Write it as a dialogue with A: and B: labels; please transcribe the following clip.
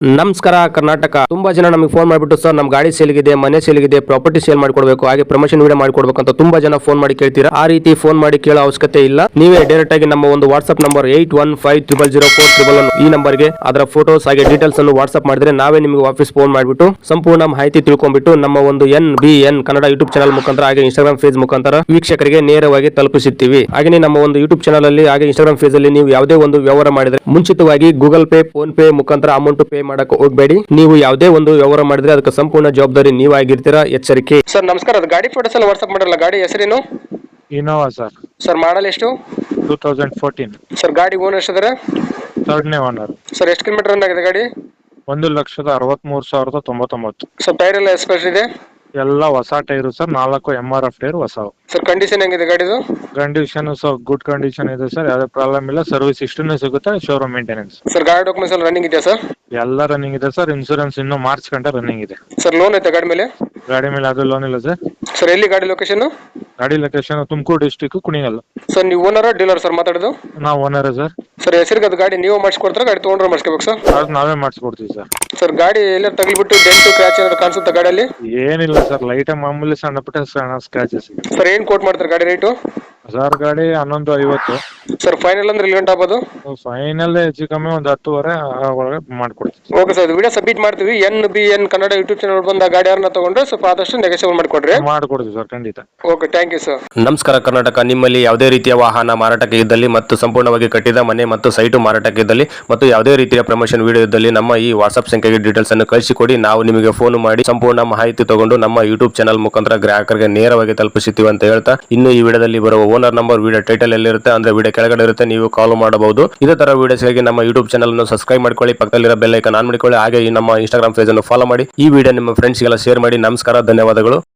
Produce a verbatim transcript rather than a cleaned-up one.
A: ನಮಸ್ಕಾರ ಕರ್ನಾಟಕ. ತುಂಬಾ ಜನ ನಮಗೆ ಫೋನ್ ಮಾಡಿಬಿಟ್ಟು ಸರ್ ನಮ್ಮ ಗಾಡಿ ಸೇಲ್ಗಿದೆ, ಮನೆ ಸೇಲ್ಗಿದೆ, ಪ್ರಾಪರ್ಟಿ ಸೇಲ್ ಮಾಡಿಕೊಡ್ಬೇಕು, ಹಾಗೆ ಪ್ರಮೋಷನ್ ವಿಡಿಯೋ ಮಾಡಿಕೊಡ್ಬೇಕು ಅಂತ ತುಂಬಾ ಜನ ಫೋನ್ ಮಾಡಿ ಕೇಳ್ತೀರಾ. ಆ ರೀತಿ ಫೋನ್ ಮಾಡಿ ಕೇಳೋ ಅವಶ್ಯಕತೆ ಇಲ್ಲ. ನೀವೇ ಡೈರೆಕ್ಟ್ ಆಗಿ ನಮ್ಮ ಒಂದು WhatsApp number eight one five triple zero four triple one ಈ ನಂಬರ್ಗೆ ಅದರ ಫೋಟೋಸ್ ಹಾಗೆ ಡೀಟೇಲ್ಸ್ ಅನ್ನು ವಾಟ್ಸ್ಆಪ್ ಮಾಡಿದ್ರೆ ನಾವೇ ನಿಮಗೆ ವಾಪಸ್ ಫೋನ್ ಮಾಡಿಬಿಟ್ಟು ಸಂಪೂರ್ಣ ಮಾಹಿತಿ ತಿಳ್ಕೊಂಡ್ಬಿಟ್ಟು ನಮ್ಮ ಒಂದು N B N Kannada YouTube channel ಮುಖಾಂತರ ಹಾಗೆ ಇನ್ಸ್ಟಾಗ್ರಾಮ್ ಫೇಸ್ ಮುಖಾಂತರ ವೀಕ್ಷಕರಿಗೆ ನೇರವಾಗಿ ತಲುಪಿಸುತ್ತೀವಿ. ಹಾಗೆ ನಮ್ಮ ಒಂದು ಯೂಟ್ಯೂಬ್ ಚಾನಲ್ ಅಲ್ಲಿ ಹಾಗೆ ಇನ್ಸ್ಟಾಗ್ರಾಮ್ ಫೇಸ್ ಅಲ್ಲಿ ನೀವು ಯಾವುದೇ ಒಂದು ವ್ಯವಹಾರ ಮಾಡಿದ್ರೆ ಮುಂಚಿತವಾಗಿ ಗೂಗಲ್ ಪೇ, ಫೋನ್ ಪೇ ಮುಖಾಂತರ ಅಮೌಂಟ್ ಪೇ ಮಾಡಕ್ಕೆ ಹೋಗಬೇಡಿ. ನೀವು ಯಾವುದೇ ಒಂದು ವ್ಯವಹಾರ ಮಾಡಿದ್ರೆ ಅದಕ್ಕೆ ಸಂಪೂರ್ಣ ಜವಾಬ್ದಾರಿ ನೀವಾಗಿರ್ತೀರಾ, ಎಚ್ಚರಿಕೆ. ಸರ್ ನಮಸ್ಕಾರ, ಅದು ಗಾಡಿ ಫೋಟೋಸ್ ಎಲ್ಲ ವಾಟ್ಸ್ಆಪ್ ಮಾಡಿರಲ್ಲ, ಗಾಡಿ ಹೆಸರೇನು?
B: Innova sir.
A: ಸರ್ ಮಾಡಲ್ ಎಷ್ಟು?
B: Two thousand fourteen.
A: ಸರ್ ಗಾಡಿ ಓನರ್ ಎಷ್ಟಿದ್ದಾರೆ?
B: ಥರ್ಡ್ನೇ ಓನರ್.
A: ಸರ್ ಎಷ್ಟು ಕಿಲೋಮೀಟರ್ ರನ್ ಆಗಿದೆ ಗಾಡಿ?
B: ಒಂದು ಲಕ್ಷದ ಅರವತ್ಮೂರು ಸಾವಿರದ ತೊಂಬತ್ತೊಂಬತ್ತು.
A: ಸರ್ ಟೈರ್ ಎಲ್ಲ ಎಕ್ಸ್ಪೈರ್ ಇದೆ?
B: ಎಲ್ಲ ಹೊಸ ಟೈರು ಸರ್, ನಾಲ್ಕು ಎಂ ಆರ್ ಎಫ್ ಟೈರ್ ಹೊಸವು.
A: ಸರ್ ಕಂಡೀಷನ್ ಹೆಂಗಿದೆ ಗಾಡಿದು?
B: ಕಂಡೀಷನ್ ಸರ್ ಗುಡ್ ಕಂಡೀಷನ್ ಇದೆ ಸರ್, ಯಾವುದೇ ಪ್ರಾಬ್ಲಮ್ ಇಲ್ಲ. ಸರ್ವಿಸ್ ಇಷ್ಟೂ ಸಿಗುತ್ತೆ, ಶೋರೂಮ್ ಮೇಂಟೆನೆನ್ಸ್.
A: ಸರ್ ಗಾಡಿ ಡಾಕ್ಯುಮೆಂಟ್ಸ್ ಎಲ್ಲ ರನ್ನಿಂಗ್ ಇದೆಯಾ ಸರ್?
B: ಎಲ್ಲ ರನ್ನಿಂಗ್ ಇದೆ ಸರ್, ಇನ್ಸೂರೆನ್ಸ್ ಇನ್ನು ಮಾರ್ಚ್ ಗಂಟೆ ರನ್ನಿಂಗ್ ಇದೆ.
A: ಸರ್ ಲೋನ್ ಐತೆ ಗಾಡಿ ಮೇಲೆ?
B: ಗಾಡಿ ಮೇಲೆ ಅದು ಲೋನ್ ಇಲ್ಲ ಸರ್.
A: ಸರ್ ಎಲ್ಲಿ ಗಾಡಿ ಲೊಕೇಶನ್?
B: ಗಾಡಿ location Tumakuru district Kunigal.
A: Sir ನೀವು ಓನರ್ ಡೀಲರ್ ಸರ್ ಮಾತಾಡೋದು?
B: ನಾವು ಓನರ್ ಸರ್.
A: ಸರ್ ಹೆಸರಿಗೆ ಅದು ಗಾಡಿ ನೀವು ಮಾಡಿಸ್ಕೊಡ್ತಾರೆ, ಗಾಡಿ ತೊಗೊಂಡ್ರೆ ಮಾಡಿಸ್ಕೋಬೇಕು ಸರ್?
B: ಅದು ನಾವೇ ಮಾಡಿಸ್ಕೊಡ್ತೀವಿ ಸರ್.
A: ಸರ್ ಗಾಡಿ ಎಲ್ಲ ತಗಲಿಬಿಟ್ಟು ಡೆಂಟು ಕ್ರ್ಯಾಚ್ ಏನಾದ್ರು ಕಾಣಿಸುತ್ತೆ ಗಾಡಿಯಲ್ಲಿ?
B: ಏನಿಲ್ಲ ಸರ್, ಲೈಟ್ ಮಾಮೂಲಿ ಸಣ್ಣ ಪುಟ್ಟ ಸಣ್ಣ ಸ್ಕ್ರಾಚಸ್.
A: ಸರ್ ಏನು ಕೋಟ್ ಮಾಡ್ತಾರೆ ಗಾಡಿ ರೇಟು?
B: ಸರ್ ಗಾಡಿ ಹನ್ನೊಂದು ಐವತ್ತು.
A: ಸರ್ ಫೈನಲ್ ಅಂದ್ರೆ ಇಲ್ಲಿ ಗಂಟೆ ಆಗ್ಬೋದು?
B: ಫೈನಲ್ ಹೆಚ್ಚು ಕಮ್ಮಿ ಒಂದು ಹತ್ತುವರೆ ಒಳಗೆ ಮಾಡ್ಕೊಡ್ತೀವಿ.
A: ಓಕೆ ಸರ್, ವಿಡಿಯೋ ಸಬ್ಮಿಟ್ ಮಾಡ್ತೀವಿ. N B N Kannada YouTube channel ಬಂದ ಗಾಡಿ ಯಾರನ್ನ ತಗೊಂಡ್ರೆ ಸ್ವಲ್ಪ ಆದಷ್ಟು ನೆಗೋಷಿಯೇಟ್ ಮಾಡಿಕೊಡ್ರಿ.
B: ಮಾಡ್ಕೊಡ್ತೀವಿ ಸರ್, ಖಂಡಿತ.
A: Okay, thank you sir.
C: ನಮಸ್ಕಾರ ಕರ್ನಾಟಕ. ನಿಮ್ಮಲ್ಲಿ ಯಾವುದೇ ರೀತಿಯ ವಾಹನ ಮಾರಾಟಕ್ಕೆ ಇದ್ದಲ್ಲಿ ಮತ್ತು ಸಂಪೂರ್ಣವಾಗಿ ಕಟ್ಟಿದ ಮನೆ ಮತ್ತು ಸೈಟು ಮಾರಾಟಕ್ಕೆ ಇದ್ದಲ್ಲಿ ಮತ್ತು ಯಾವುದೇ ರೀತಿಯ ಪ್ರಮೋಷನ್ ವಿಡಿಯೋ ಇದ್ದಲ್ಲಿ ನಮ್ಮ ಈ ವಾಟ್ಸ್ಆಪ್ ಸಂಖ್ಯೆಗೆ ಡೀಟೇಲ್ಸ್ ಅನ್ನು ಕಳಿಸಿಕೊಡಿ. ನಾವು ನಿಮಗೆ ಫೋನ್ ಮಾಡಿ ಸಂಪೂರ್ಣ ಮಾಹಿತಿ ತಗೊಂಡು ನಮ್ಮ ಯೂಟ್ಯೂಬ್ ಚಾನಲ್ ಮುಖಾಂತರ ಗ್ರಾಹಕರಿಗೆ ನೇರವಾಗಿ ತಲುಪಿಸುತ್ತೀವಿ ಅಂತ ಹೇಳ್ತಾ, ಇನ್ನು ಈ ವಿಡಿಯೋದಲ್ಲಿ ಬರುವ ಓನರ್ ನಂಬರ್ ವಿಡಿಯೋ ಟೈಟಲ್ ಎಲ್ಲಿರುತ್ತೆ ಅಂದ್ರೆ ವಿಡಿಯೋ ಕೆಳಗಡೆ ಇರುತ್ತೆ, ನೀವು ಕಾಲ್ ಮಾಡಬಹುದು. ಇದೇ ತರ ವಿಡಿಯೋಸ್ಗಾಗಿ ನಮ್ಮ ಯೂಟ್ಯೂಬ್ ಚಾನಲ್ ಅನ್ನು ಸಬ್ಸ್ಕ್ರೈಬ್ ಮಾಡ್ಕೊಳ್ಳಿ, ಪಕ್ಕದಲ್ಲಿರೋ ಬೆಲ್ ಐಕಾನ್ ಆನ್ ಮಾಡಿಕೊಳ್ಳಿ, ಹಾಗೆ ಈ ನಮ್ಮ ಇನ್ಸ್ಟಾಗ್ರಾಮ್ ಪೇಜ್ ಅನ್ನು ಫಾಲೋ ಮಾಡಿ. ಈ ವಿಡಿಯೋ ನಿಮ್ಮ ಫ್ರೆಂಡ್ಸ್ಗೆಲ್ಲ ಶೇರ್ ಮಾಡಿ. ನಮಸ್ಕಾರ, ಧನ್ಯವಾದಗಳು.